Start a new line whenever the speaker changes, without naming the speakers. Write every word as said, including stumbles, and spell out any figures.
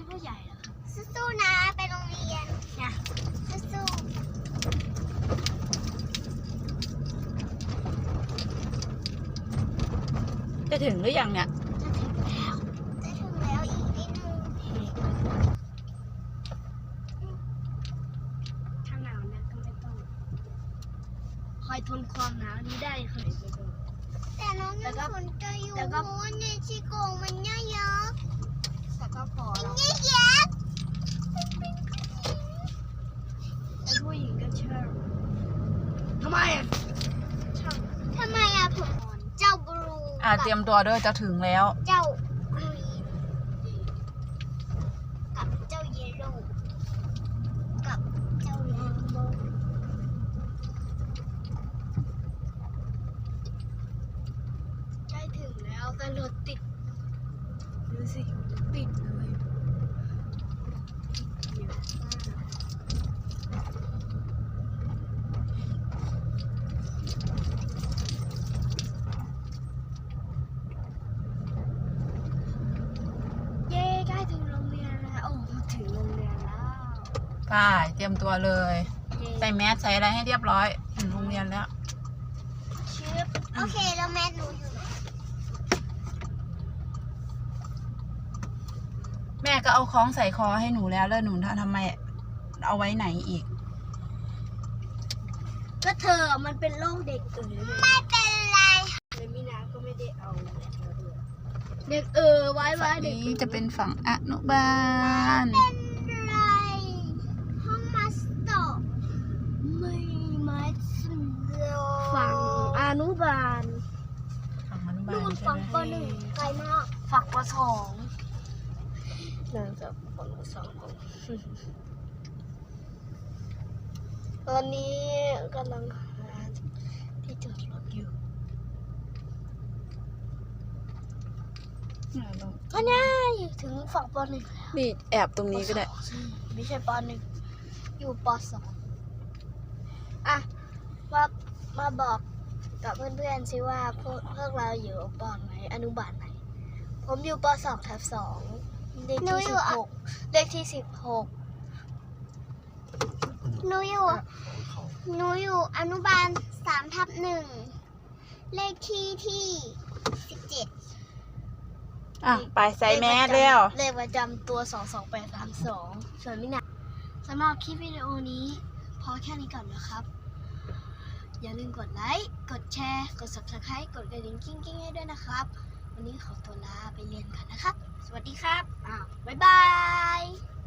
เป็นผู้ใหญ่แล้วครับ
สู้ๆนะไปโรงเรียน
นะ
สู้
จะถึงหรือยังเนี่ย
ๆจะถึงแล้วจะถึงแล้วอีกนิดนึง
ถ้าหนาวนะก็ไม่ต้องคอยทนความหนาวนี้ได้เคยไปดู
แต่น้องยังสนใจอยู่เพราะว่าในชิโกงมันเยอะ
แต่ก็พอ
ๆ
แล้ว
เยอะ
ไอ้ผู้หญิงก็เชื่อทำไมอ่ะช่าง
ๆทำไมอะผมเจ้าบลู
อ่าเตรียมตัวด้วยจะถึงแล้ว
เจ้ากรีนกับเจ้าเยลโล่กับเจ้าแลมโบ
ใกล้ถึงแล้วแต่รถติดดูสิติดเลยเยอะมากเย้ใกล้ถึงโรงเรียนแล้วโอ้ถึงโรงเรียนแล้ว
ไปเตรียมตัวเลย
เย้
ใส่แมสใส่อะไรให้เรียบร้อยถึงโรงเรียนแล้ว
ชิป
โอเคแล้วแม่หนูอยู่ไหน
แม่ก็เอาคล้องใส่คอให้หนูแล้วแล้วหนูทำไมเอาไว้ไหนอีก
ก็เธอมันเป็นโรคเด็กเอ๋ย
ไม่เป็นไร
เลยมินาก็ไม่ได้เอาเด็กเออไว้ไว้
ฝั่ง
เด็ก
นี้จะเป็นฝั่งอนุบาล
เป็นไรห้องมาสเตอร์
ไม่มา
โล
ฝั่งอนุบาล
ฝั่งอนุบาล
นู่น
ใช่
ฝั่ง
ไห
ป
ม
หนึ่งไกลมาก
ฝั่งปสองเนื่องจากฝั่งปสองตอนนี้กำลังหาที่จอดรถอยู่ก็ง่ายถึงฝั่งปหนึ่งแล้ว
นี่แอบตรงนี้ก็ได้
ไม่ใช่ปหนึ่งอยู่ปสองอ่ะมามาบอกกับเพื่อนๆสิว่าพวกพวกเราอยู่ปไหนอนุบาลไหน ผมอยู่ปสองทับสองเลขที่สิบหกเลขที่สิบหก
หนูอยู่หนูอยู่อนุบาลสามทับหนึ่งเลขที่ที่สิบเจ็ด
อ่ะไปใส่แมสแล้ว
เลขประจำตัวสองสองแปดสามสองส่วนมินาสำหรับคลิปวิดีโอนี้พอแค่นี้ก่อนนะครับ อย่าลืมกดไลค์ กดแชร์ กด ซับสไครบ์ กดกระดิ่งกิ้งกิ้งให้ด้วยนะครับ วันนี้ขอตัวลาไปเรียนกันนะครับ สวัสดีครับ อ้าว บ๊ายบาย